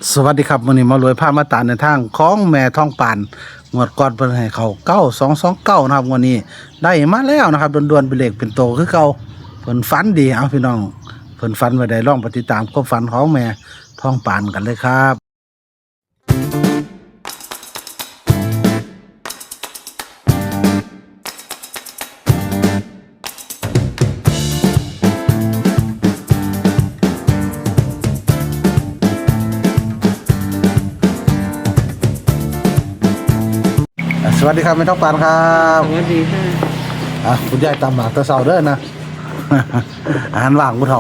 สวัสดีครับวันนี้มารวยผ้ามาตาในทางของแม่ทองปานงวดก่อนเพิ่นให้เขา9229นะครับวันนี้ได้มาแล้วนะครับด่วนๆเป็นเลขเป็นโตคือเก่าเพิ่นฝันดีเอาพี่น้องเพิ่นฝันไว้ได้ลองปฏิตามความฝันของแม่ทองปานกันเลยครับสวัสดีครับแม่ทองปานครับสวัสดีค่ะคุณยายตามหลักตะเสาเด้อนะ อาหารว่างผู้เฒ่า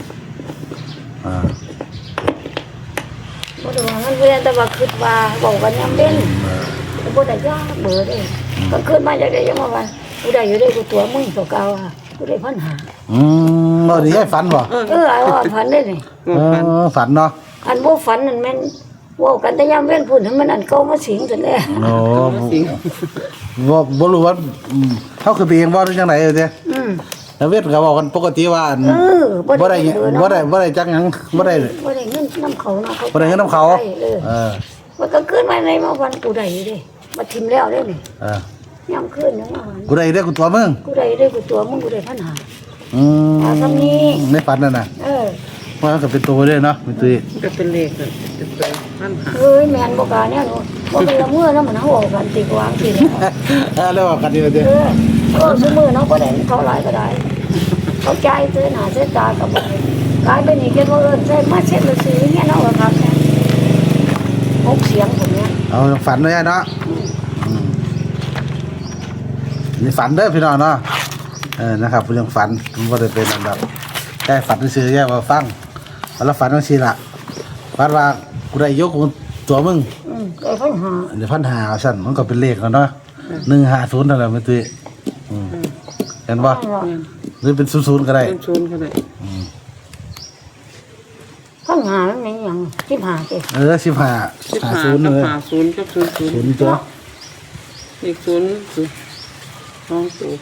บ่ได้ว่ามันเวียนแต่ว่าคิดว่าบอกว่ายังเป็นบ่ได้ยากเบื่อเด้ก็ขึ้นมาจากได้ยังว่ากูได้อยู่ได้กูตัวมึงตัวเก่าอ่ะกูได้พันหาบ่ได้ยายฝันบ่ไอ้ว่าฝันได้นี่ฝันเนาะอันบ่ฝันนั่นแม่นเว้ากันแต่ยามเว้นพุ่นให้มันอันเก่ามาสิงซั่นแหละโอ้บ่รู้ว่าเฮาคือไปเองบ่หรือจังได๋เด้แล้วเวทก็บอกกันปกติว่าบ่ได้จักหยังบ่ได้เงินนำเขาเนาะบ่ได้เงินนำเขามันก็ขึ้นมาในมาวันกูได้อยู่เด้มาทิ่มแล้วเด้นี่ยามคืนยังว่ากูได้เด้อกูตัวมึงกูได้กูตัวมึงกูได้พันหาทำนี้ในฝันนั่นน่ะมันก็เป็นตัวเด้เนาะเป็นตัวก็เป็นเลขเป็นตัวพันหาแม่นบ่กาเนี่ยเนาะบ่เป็นละมื้อเนาะมันเฮาเอากันติวางสิแล้วว่ากันดีเด้ซุมื้อเนาะบ่ได้เท่าหลายก็ได้เขาจ่ายซื้อหน้าซื้อตาก็บ่กลายเป็นนี่เกิดว่าใช้มาเช็ดละซื้อเนี่ยเนาะว่าครับ6เสียงผมเนี่ยเอาฝันเลยเนาะนี่ฝันเด้อพี่น้องเนาะนะครับเรื่องฝันผมบ่ได้เป็นอันดับแค่ฝันซื่อๆแค่ว่าฟังแล้วฝันว่าสิล่ะฝันว่ากูได้ยกตัวมึงได้พันหาเดี๋ยวพันหาสั่นมันก็เป็นเลขแล้วเนาะ150นั่นแหละแม่ตุ้ยเห็นบ่หรือเป็น00ก็ได้เป็น0ก็ได้พันหามันเป็นหยัง15ติ 15 50เลย 50กับ00 ตัวอีก0 2ตัว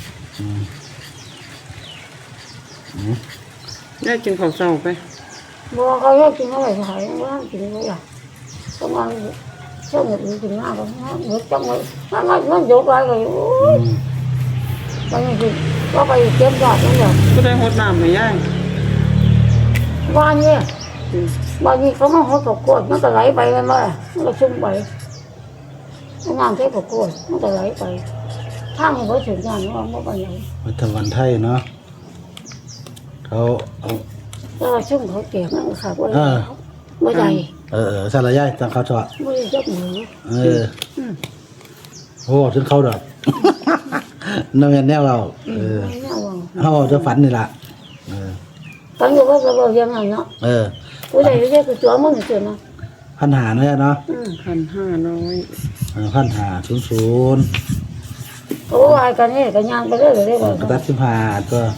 ได้กินข้าวเช้าไปบ่เขาอยากกินอะไรหายว่ากินบ่อยากต้องมาช่วงนี้กินมากก็หมดจังเลยมันยกไปก็โอ้ยบางทีก็ไปเก็บยอดนั่นแหละก็ได้หดน้ำให้ยายบ้านเนี่ยบางทีเขามาหดตกกดมันก็ไหลไปมันมามันก็ชุ่มไปงานเทปตกกดมันก็ไหลไปทางเขาถึงงานว่ามันไปไหนวัฒนวันไทยเนาะเขาแล้วชุ่มเขาเก็บนั่นค่ะว่าไม่ได้สารยายจังเขาชอบไม่ได้จับมือโอ้ถึงเขาดอกนั่นแนวเราเขาจะฝันนี่ล่ะฝันอยู่ว่าจะบอกยังไงเนาะกูได้เรียกกูตัวมึงเฉยเนาะพันหาเนี่ยเนาะ 1,500 1,500 โอ้ยกันนี่กันย่างไปเรื่อยๆกระตัด15ตัว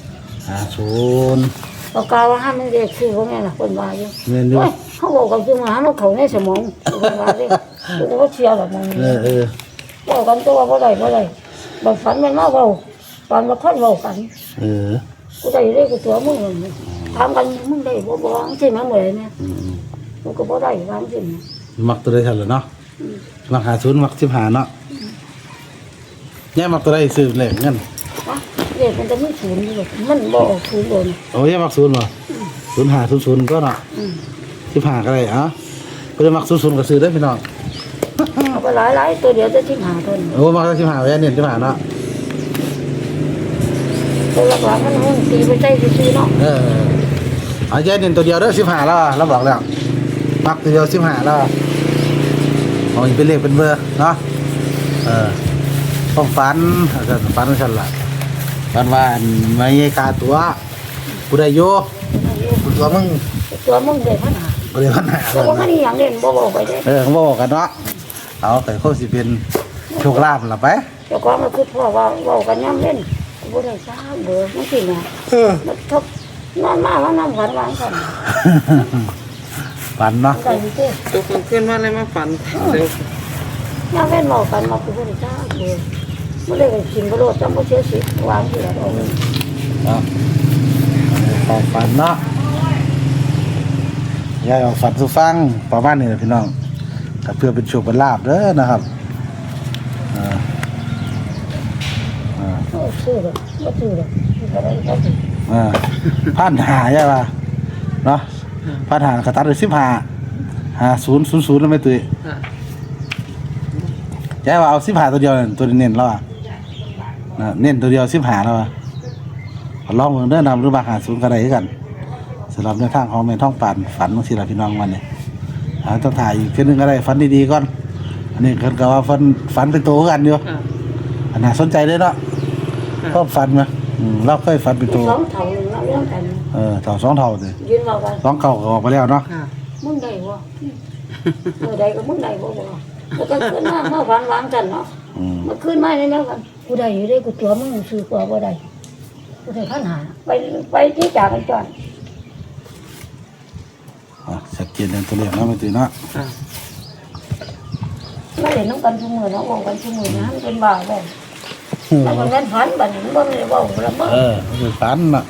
50 ปากกาว่าห้ามมันเด็กคือว่าไงล่ะคนว่าอยู่เขาบอกกับคือมาหามันเขาในสมองคนว่าดิกูก็เชียร์แบบมึงบอกกันตัวว่าไรแบบฝันมันมาเบาฝันมาค่อยเบากันกูได้เรียกกูตัวมึงทำกันมึงได้บ่ใช่ไหมเหมือนเนี่ยมึงก็บ่ได้ทำจริงมักตัวได้ทันเลยเนาะมัก50มัก15เนาะเนี่ยมักตัวได้ซื้อเลยงั้นเด็กมันจะไม่ศูนย์เลยมันบอกศูนย์เลยโอ้ยมัก0บ่0500ก็เนาะ15ก็ได้เพิ่นมัก00ก็ซื้อได้พี่น้องเอาไปหลายตัวเดียวจะ15ตัวโอ้มัก15แว่นเนี่ย15เนาะตัวหลักๆมันตีไปใช้ซื้อเนาะเอาแย่เนี่ยตัวเดียวเด้อ15แล้วเราบอกแล้วมักตัวเดียว15แล้วเอาอีกเป็นเลขเป็นเบอร์เนาะต้องฝันฉันล่ะฝันว่าไม่ใช่ค่าตัวกูได้อยู่ตัวมึงได้พันหาแต่ว่ามันอย่างเด่นบ่บอกไปเด้เขาบอกกันเนาะเอาแต่เขาสิเป็นโชคลาภล่ะไปเจ้าของมันคือพ่อว่าบอกกันย่ำเล่นบ่ได้ซ่าเบื่อมันสิเนี่ยมันทบนอนมาว่าน้ำฝันวางกันฝันเนาะตัวคนขึ้นมาเลยมาฝันเร็วย่ำเล่นบอกกันมาคือบ่ได้ซ่าเบื่อไม่ได้กินกระโดดจำไม่เชื่อสิวางที่ไหนเอาความฝันเนาะยายเอาฝันสู่ฟังประมาณนี้แหละพี่น้องก็เพื่อเป็นโชคเป็นลาภเด้อนะครับซื้อเลยก็ซื้อเลยอะไรก็ซื้อพันหาใช่ป่ะเนาะพันหากระตัดเลย15 50 00แล้วไม่ตุ้ยค่ะยายว่าเอา15ตัวเดียวนั่นตัวเน้นแล้วอ่ะเน้นตัวเดียว15แล้วอ่ะลองเบิ่งเด้อนำหรือมา50ก็ได้คือกันสำหรับในทางของแม่ท้องปานฝันจังซี่ล่ะพี่น้องวันนี้ต้องถ่ายอีกเทื่อนึงก็ได้ฝันดีๆก่อนอันนี้เพิ่นก็ว่าฝันเป็นโตคือกันอยู่ค่ะอันน่าสนใจเลยเนาะชอบฝันมั้ยเราเคยฝันเป็นโตสองเท่าหนึ่งแล้วเรื่องกันเท่า2เท่าสิยืนเรากัน 2เก่าก็ออกไปแล้วเนาะค่ะมึงได้บ่เมื่อใดก็มึงได้บ่บ่แล้วก็ขึ้นมาฝันวางกันเนาะมาขึ้นมาแล้วกันกูได้อยู่ได้กูตัวมึงซื้อกว่าบ่ได้กูได้ขันหาไปที่จากกันจอนชัดเจนในตัวเลขเนาะไม่ตื่นเนาะค่ะไม่ได้น้องกันทุกมื้อเนาะบอกกันทุกมื้อนะมันเป็นบ้าบ่แล้วมันฝันบัดนี้บ่ได้บ่ละบ่คือฝันเนาะ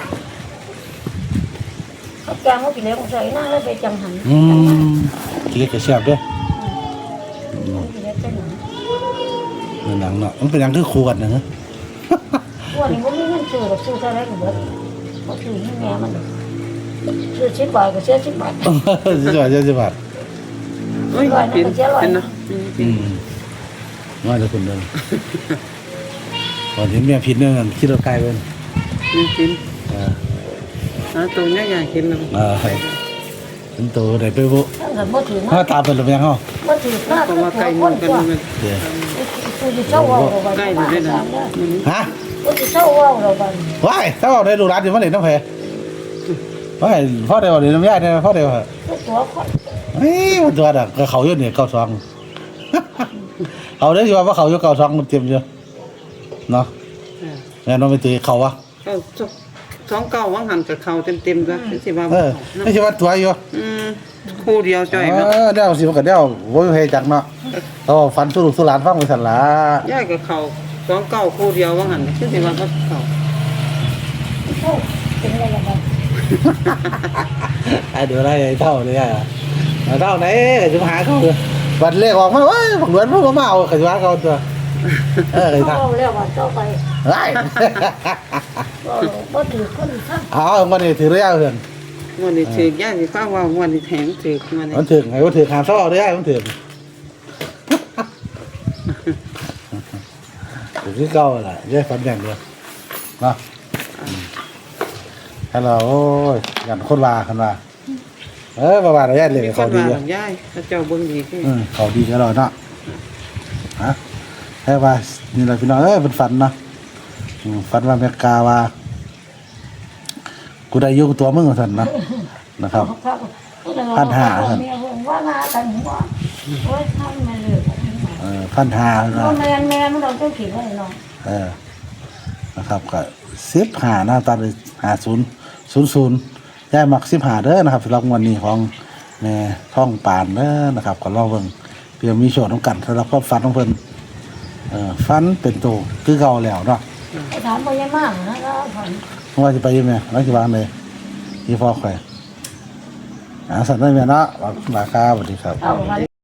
เขาจ้างเขากินแล้วใส่หน้าแล้วไปจังหันกินเล็กก็แซ่บเด้อกินแล้วเป็นหนังเป็นหนังเนาะมันเป็นหนังคือขวดนะฮะวันนี้บ่มีเงินซื้อหรอกซื้อเท่าไรก็เบิดบ่ซื้อให้แม่มันซื้อ10 บาทก็เสีย10 บาทสิบบาทโอ้ยเป็นเนาะว่าจะคุณเดินก่อนเห็นเมียผิดเนี่ยคิดเราไกลเป็นมีกินตัวใหญ่ๆกินแล้วเป็นตัวไหนไปบุถ้าเกิดบ่ถือถ้ามาตามเป็นหรือยังเหรอบ่ถือหน้าก็ก็ว่าไกไก่ลหคมุนนกันกว่ามันเดี๋ยวกูสิเศร้าเว้าเราบัดไก่อยู่ด้วยนะฮะกูสิเศร้าเว้าเราบัดว้ายถ้าเอาได้ดูร้านอยู่มาเลยน้ำแพว้ายพ่อเดียวเดี๋ยวน้ำยาเนี่ยพ่อเดียวเหรอตัวคนเฮ้ยมันตัวดักเขาเยอะเนี่ย92เขาได้ยินว่าเขาเยอะ92มันเต็มเยอะเนาะแม่น้องไปตีเขาวะก็ท้องเก่าว่างหันกับเขาเต็มๆด้วยสิว่าไม่ใช่ว่าตัวอยู่คู่เดียวจ่อยมั้ยเดี๋ยวสิมันก็เดี๋ยวโว้ยเพจักเนาะเขาฟันสู้ลูกสู้หลานฟังไปสั่นละย่ายกับเขาท้องเก่าคู่เดียวว่างหันสิว่าเขาเป็นอะไรล่ะบัดไอ้เดี๋ยวอะไรเท่าเลยอ่ะเท่าไหนจะมาหาเขาวันเลขออกมาเว้ยบักเหมือนพวกมาเอาขยะเขาตัวไอ้เขาท่าเว้าแล้วว่าต่อไปไอ้บ่ถือคนซะเอาวันนี้ถือเรื่องเพื่อนวันนี้ถือย่ายสิฟ้าว่าวันนี้แถมถือวันนี้มันถือไงว่าถือหามซ้อได้มันถือถือที่เก่าแหละแยกฟันอย่างเดียวเนาะฮัลโหลโอ้ยกันคนว่ากันว่าประมาณระยะเลยมีคเขานดีว่าย่ายเขาเจ้าเบิ่งดีขึ้นเขาดีกันแล้วเนาะฮะแค่ว่านี่แหละพี่น้องเป็นฝันเนาะฝันว่าเมกาว่ากูได้อยู่กับตัวมึงกับสันนะนะครับว่าหน้ากันหัวโอ้ยทำมาเลย 1,500นะแม่มันเราต้องขีดไว้เนาะนะครับก็15หน้าตาเลย5000ย้ายมัก15เด้อนะครับสำหรับวันนี้ของแม่ท่องปานเด้อนะครับก็รอเบิ่งเพื่อมีโชคน้ำกันสำหรับความฝันของเพิ่นฝันเป็นโตคือเก่าแล้วเนาะถามบ่ยังมากนะก็ฝันว่าจะไปยังไงว่าจะวางเลยยี่พ่อใครสั่นได้ไหมเนาะราคาสวัสดีครับเอา